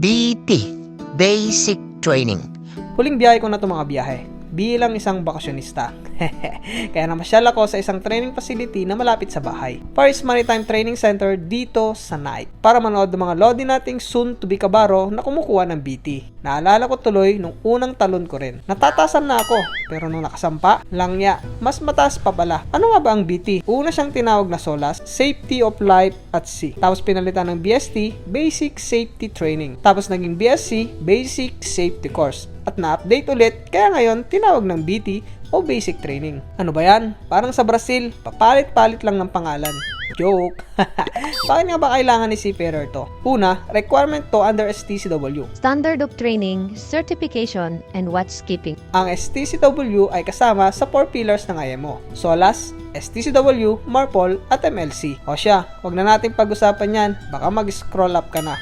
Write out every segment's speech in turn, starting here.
BT, Basic Training. Huling biyahe ko na ito mga biyahe bilang isang bakasyonista. Kaya namasyal ako sa isang training facility na malapit sa bahay. Paris Maritime Training Center dito sa Nike para manood ng mga lodi nating soon to be kabaro na kumukuha ng BT. Naalala ko tuloy nung unang talon ko rin. Natatasan na ako pero nung nakasampa, langya, mas mataas pa pala. Ano nga ba ang BT? Una siyang tinawag na SOLAS, Safety of Life at Sea. Tapos pinalitan ng BST, Basic Safety Training. Tapos naging BSc, Basic Safety Course. At na-update ulit, kaya ngayon tinawag ng BT o Basic Training. Ano ba yan? Parang sa Brazil, papalit-palit lang ng pangalan. Joke! Bakit nga ba kailangan ni seafarer to? Una, requirement to under STCW. Standard of Training, Certification, and Watchkeeping. Ang STCW ay kasama sa 4 pillars ng IMO. SOLAS, STCW, MARPOL, at MLC. O siya, wag na natin pag-usapan yan. Baka mag-scroll up ka na.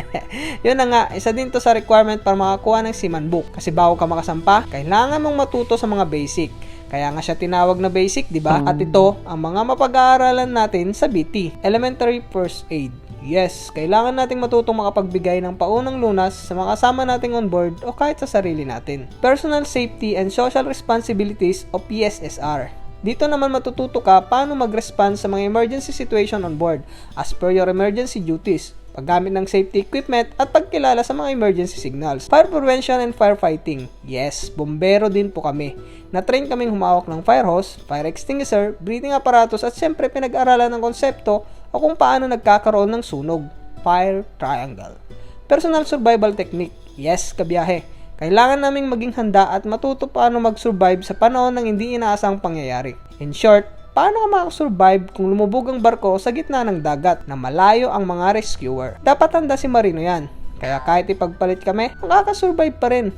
Yun na nga, isa din to sa requirement para makakuha ng Seaman Book. Kasi bago ka makasampa, kailangan mong matuto sa mga basic. Kaya nga siya tinawag na basic, di ba? At ito, ang mga mapag-aaralan natin sa BT, Elementary First Aid. Yes, kailangan nating matutong makapagbigay ng paunang lunas sa mga kasama nating on board o kahit sa sarili natin. Personal Safety and Social Responsibilities o PSSR. Dito naman matututo ka paano mag-respond sa mga emergency situation on board as per your emergency duties, paggamit ng safety equipment at pagkilala sa mga emergency signals. Fire prevention and firefighting. Yes, bombero din po kami. Na-train kaming humawak ng fire hose, fire extinguisher, breathing apparatus at syempre pinag-aralan ng konsepto o kung paano nagkakaroon ng sunog. Fire triangle. Personal survival technique. Yes, kabiyahe. Kailangan naming maging handa at matuto paano mag-survive sa panahon ng hindi inaasang pangyayari. In short, paano ka makasurvive kung lumubog ang barko sa gitna ng dagat na malayo ang mga rescuer? Dapat handa si Marino yan. Kaya kahit ipagpalit kami, makakasurvive pa rin.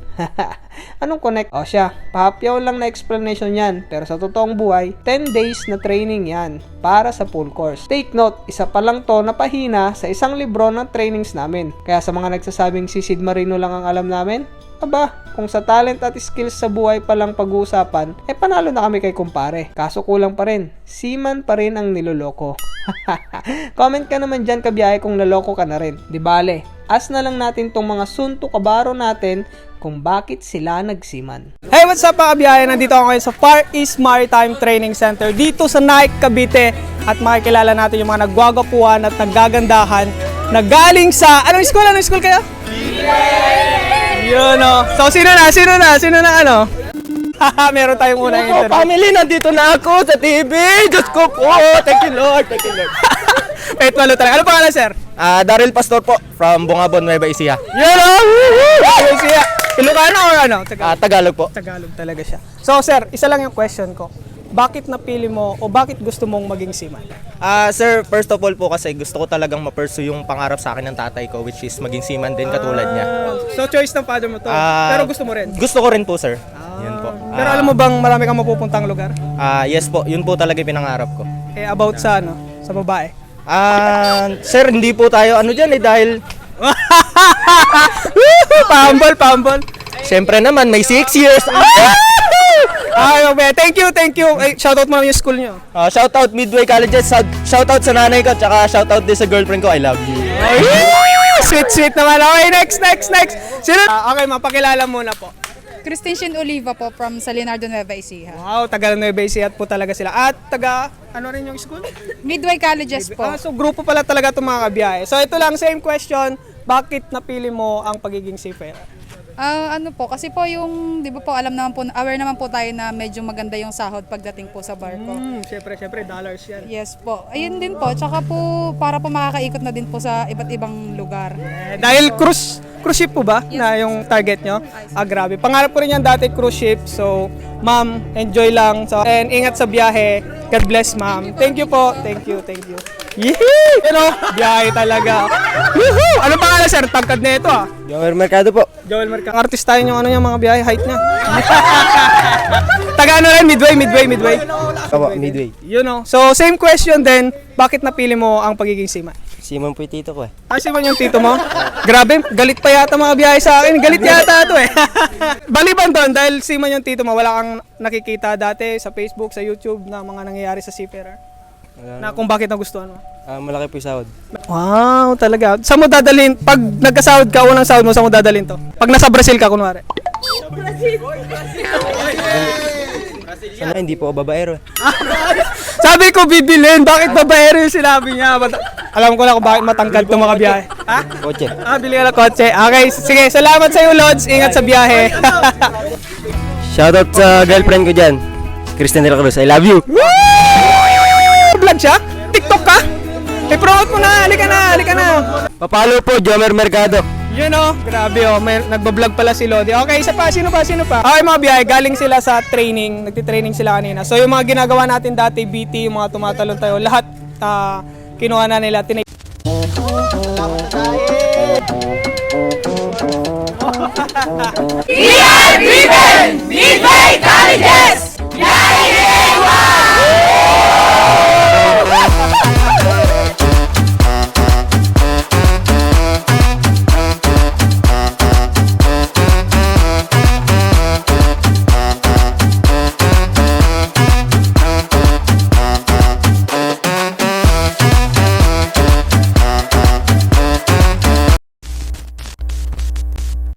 Anong connect? O siya, pahapyaw lang na explanation yan. Pero sa totoong buhay, 10 days na training yan para sa full course. Take note, isa pa lang to na pahina sa isang libro ng trainings namin. Kaya sa mga nagsasabing si Sid Marino lang ang alam namin, aba, kung sa talent at skills sa buhay pa lang pag-uusapan, panalo na kami kay kumpare. Kaso kulang pa rin, seaman pa rin ang niloloko. Comment ka naman dyan kabiyahe kung naloko ka na rin. Di bale, as na lang natin tong mga sunto kabaro natin kung bakit sila nagsiman. Hey, what's up mga kabiyahe? Nandito ako ngayon sa Far East Maritime Training Center dito sa Nike, Cavite. At makikilala natin yung mga nagwagapuan at nagagandahan na galing sa... Anong school? Anong school kayo? Yun o. So, sino na ano? Meron tayong unang interview. Family, nandito na ako sa TV. Diyos ko po. Thank you, Lord. Thank you, Lord. Wait, malo talaga. Ano pangalan, sir? Daryl Pastor po, from Bungabon, Nueva Ecija. Yun o! Ayun siya. Ilocano or ano? Tagalog po. Tagalog talaga siya. So, sir, isa lang yung question ko. Bakit napili mo o bakit gusto mong maging seaman? Sir, first of all po kasi gusto ko talagang ma-pursue yung pangarap sa akin ng tatay ko, which is maging seaman din katulad niya. So, choice ng father mo to. Pero gusto mo rin? Gusto ko rin po, sir. Yun po. Pero alam mo bang marami kang mapupuntang lugar? Yes po, yun po talaga yung pinangarap ko. About sa ano? Sa babae? Sir, hindi po tayo ano dyan dahil... Pambol. Siyempre naman, may 6 years. Ay, okay. Thank you. Ay, shoutout mo naman yung school nyo. Shoutout Midway Colleges, shoutout sa nanay ko, tsaka shoutout din sa girlfriend ko, I love you. Sweet naman. Okay, next. Sino? Okay, mapakilala muna po. Christine Oliva po from Leonardo Nueva Ecija. Wow, taga Nueva Ecija po talaga sila. At taga, ano rin yung school? Midway Colleges po. So grupo pala talaga itong mga kabiyahe. So ito lang, same question. Bakit napili mo ang pagiging seafarer? Ano po, kasi po yung, di ba po, aware naman po tayo na medyo maganda yung sahod pagdating po sa barko. Siyempre, dollars yan. Yes po. Ayun din po, tsaka po, para po makakaikot na din po sa iba't ibang lugar. Dahil cruise ship po ba na yung target nyo? Grabe. Pangarap ko rin yan dati, cruise ship. So, ma'am, enjoy lang. So, and ingat sa biyahe. God bless, ma'am. Thank you po. Thank you. Yehey! Biyahe talaga. Woohoo! Anong pangalan, sir? Tagkad na ito, Joel Mercado po. Joel Mercado. Ang artist tayo yung mga biyahe, height niya. Taga ano rin? Midway. Opo, Midway. So, same question din. Bakit napili mo ang pagiging seaman? Simon po yung tito ko eh. Seaman yung tito mo? Grabe, galit pa yata mga biyahe sa akin. Galit yata ito eh. Baliban doon, dahil seaman yung tito mo, wala kang nakikita dati sa Facebook, sa YouTube na mga nangyayari sa seafarer? Na kung bakit nagustuhan mo? Malaki po yung sahod. Wow, talaga. Saan mo dadalhin? Pag nagkasahod ka, unang sahod mo, saan mo dadalhin to? Pag nasa Brazil ka, kunwari. Sana hindi po ako babaero. Sabi ko bibilin, bakit babaero yung sinabi niya? Alam ko na kung bakit matangkad itong mga biyahe. Ha? Kotse. Bili ka ng kotse. Okay, sige. Salamat sa iyo, Lods. Ingat sa biyahe. Shoutout sa girlfriend ko dyan. Kristen de la Cruz, I love you. Vlog siya? TikTok ka? I-promote mo na. Halika na. Papalo po, Jomer Mercado. Yun o. Grabe o. May nagbablog pala si Lodi. Okay, isa pa. Sino pa? Okay, mga biyahe. Galing sila sa training. Nagtitraining sila kanina. So, yung mga ginagawa natin dati, BT, yung mga tumatalon tayo, lahat kinuha na nila. We are driven! Midway Colleges!